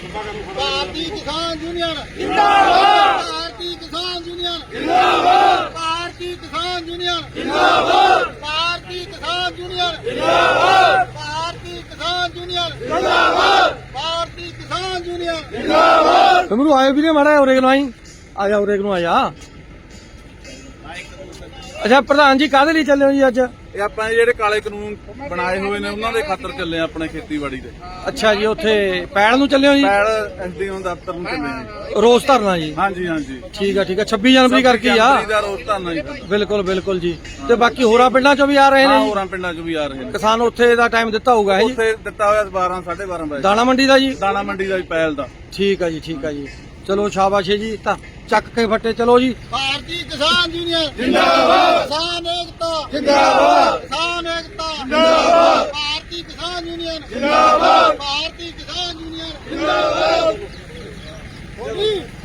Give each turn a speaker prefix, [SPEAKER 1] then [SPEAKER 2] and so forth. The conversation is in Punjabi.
[SPEAKER 1] ਭਾਰਤੀ ਕਿਸਾਨ ਯੂਨੀਅਨ ਜਿੰਦਾਬਾਦ। ਭਾਰਤੀ ਕਿਸਾਨ ਯੂਨੀਅਨ ਜਿੰਦਾਬਾਦ। ਭਾਰਤੀ ਕਿਸਾਨ ਯੂਨੀਅਨ ਜਿੰਦਾਬਾਦ। ਭਾਰਤੀ ਕਿਸਾਨ ਯੂਨੀਅਨ ਜਿੰਦਾਬਾਦ। ਭਾਰਤੀ ਕਿਸਾਨ ਯੂਨੀਅਨ ਜਿੰਦਾਬਾਦ। ਭਾਰਤੀ ਕਿਸਾਨ ਯੂਨੀਅਨ ਜਿੰਦਾਬਾਦ।
[SPEAKER 2] ਤੁਮਰੂ ਆਏ ਵੀ ਨੇ ਮਾੜਾ ਉਰੇ ਨੂੰ ਆਈ ਆ ਜਾ ਉਰੇ ਨੂੰ ਆ ਜਾ। ਅੱਛਾ ਪ੍ਰਧਾਨ ਜੀ ਕਾਹਦੇ ਲਈ ਚੱਲੇ ਹੋ ਜੀ ਅੱਜ?
[SPEAKER 3] ਇਹ ਆਪਾਂ ਜਿਹੜੇ ਕਾਲੇ ਕਾਨੂੰਨ ਬਣਾਏ ਹੋਏ ਨੇ ਉਹਨਾਂ ਦੇ ਖਾਤਰ ਚੱਲੇ ਆ ਆਪਣੇ ਖੇਤੀਬਾੜੀ ਦੇ।
[SPEAKER 2] ਅੱਛਾ ਜੀ ਉੱਥੇ ਪੈਲ ਨੂੰ ਚੱਲੇ ਹੋ ਜੀ?
[SPEAKER 3] ਪੈਲ ਐਸਡੀਓ ਦਫ਼ਤਰ ਨੂੰ ਚੱਲੇ ਆ।
[SPEAKER 2] ਰੋਸ ਧਰਨਾ ਜੀ?
[SPEAKER 3] ਹਾਂਜੀ ਹਾਂਜੀ
[SPEAKER 2] ਠੀਕ ਆ 26 ਜਨਵਰੀ ਕਰਕੇ ਆ।
[SPEAKER 3] ਦਾ ਰੋਸ ਧਰਨਾ ਜੀ।
[SPEAKER 2] ਬਿਲਕੁਲ ਬਿਲਕੁਲ ਜੀ। ਤੇ ਬਾਕੀ ਹੋਰਾਂ ਪਿੰਡਾਂ ਚੋਂ ਵੀ ਆ ਰਹੇ ਨੇ?
[SPEAKER 3] ਹੋਰਾਂ ਪਿੰਡਾਂ ਚੋਂ ਵੀ ਆ ਰਹੇ ਨੇ
[SPEAKER 2] ਕਿਸਾਨ। ਉੱਥੇ ਦਾ ਟਾਈਮ ਦਿੱਤਾ ਹੋਊਗਾ ਹੈ ਜੀ?
[SPEAKER 3] ਉੱਥੇ ਦਿੱਤਾ ਹੋਇਆ 12 12:30 ਵਜੇ।
[SPEAKER 2] ਦਾਣਾ ਮੰਡੀ ਦਾ ਜੀ?
[SPEAKER 3] ਦਾਣਾ ਮੰਡੀ ਦਾ ਪੈਲ ਦਾ।
[SPEAKER 2] ਠੀਕ ਆ ਜੀ ਠੀਕ ਆ ਜੀ। ਚਲੋ ਸ਼ਾਬਾਸ਼ ਜੀ। ਤਾਂ ਚੱਕ ਕੇ ਫੱਟੇ ਚਲੋ ਜੀ।
[SPEAKER 1] ਭਾਰਤੀ ਕਿਸਾਨ ਯੂਨੀਅਨ ਜਿੰਦਾਬਾਦ। ਕਿਸਾਨ ਏਕਤਾ ਜਿੰਦਾਬਾਦ। ਕਿਸਾਨ ਏਕਤਾ ਜਿੰਦਾਬਾਦ। ਭਾਰਤੀ ਕਿਸਾਨ ਯੂਨੀਅਨ ਜਿੰਦਾਬਾਦ। ਭਾਰਤੀ ਕਿਸਾਨ ਯੂਨੀਅਨ ਜਿੰਦਾਬਾਦ।